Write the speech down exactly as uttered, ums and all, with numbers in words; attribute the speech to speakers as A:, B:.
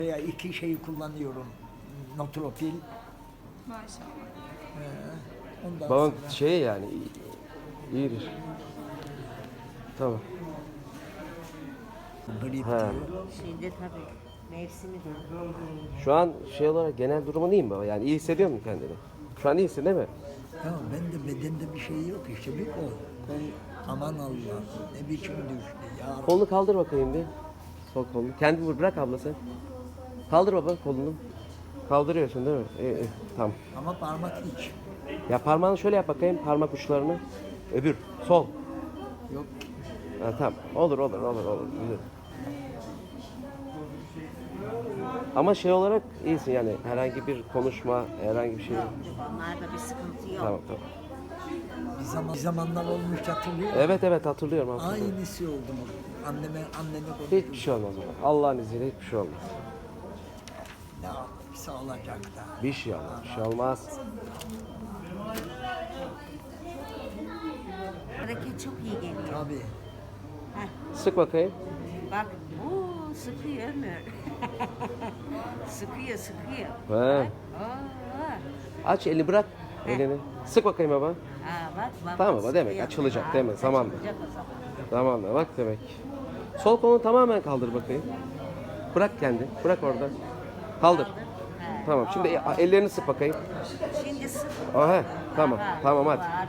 A: Veya iki şeyi kullanıyorum. Notropil.
B: Maşallah.
A: Ee, ondan
C: Babam
A: sonra
C: şey yani iyi- iyidir. Tamam.
A: grip
C: Ha.
A: diyor.
D: Şimdi tabii mevsimi de.
C: Şu an şey olarak genel durumun iyi mi baba? Yani iyi hissediyor musun kendini? Şu an iyisin değil mi?
A: Ya ben de bedende bir şey yok işte bir kol. Kol aman Allah ne biçim düştü ya.
C: Kolunu kaldır bakayım bir. Sol kolunu. Kendini vur, bırak abla sen. Kaldır baba kolunu. Kaldırıyorsun değil mi? İyi, iyi. Tamam.
A: Ama parmak hiç.
C: Ya parmağını şöyle yap bakayım, parmak uçlarını. Öbür, sol.
A: Yok.
C: Ha, tamam. Olur, olur, olur, olur. Güzel. Ama şey olarak iyisin yani herhangi bir konuşma, herhangi bir şey.
D: Onlarda bir sıkıntı yok.
C: Tamam, tamam.
A: Bir zaman bir zamanlar olmuş hatırlıyor musun?
C: Evet, evet hatırlıyorum. hatırlıyorum.
A: Aynısı oldu mu? Anneme anneme
C: Hiçbir
A: konuşuyor.
C: şey olmaz baba. Allah'ın izniyle hiçbir şey olmaz.
A: Ne yapsa olacak da.
C: Bir şey olmaz, bir şey olmaz.
D: Hareket çok iyi geliyor.
A: Tabii.
D: Heh,
C: Sık bakayım.
D: bak, ooo sıkıyor Ömür. sıkıyor, sıkıyor.
C: He.
D: Oo.
C: Aç elini, bırak elini. Sık bakayım baba.
D: Ha bak, bak.
C: Tamam baba, demek
D: sıkıyor.
C: açılacak
D: Ha,
C: değil mi? Zamanla.
D: açılacak o zaman.
C: Tamam da bak demek. Sol kolunu tamamen kaldır bakayım. Bırak kendi. Bırak orada. Kaldır.
D: Kaldır. He.
C: Tamam. Şimdi ellerini sık bakayım.
D: Şimdi sık.
C: Aha, tamam.
D: Ha,
C: Tamam hadi.
D: var.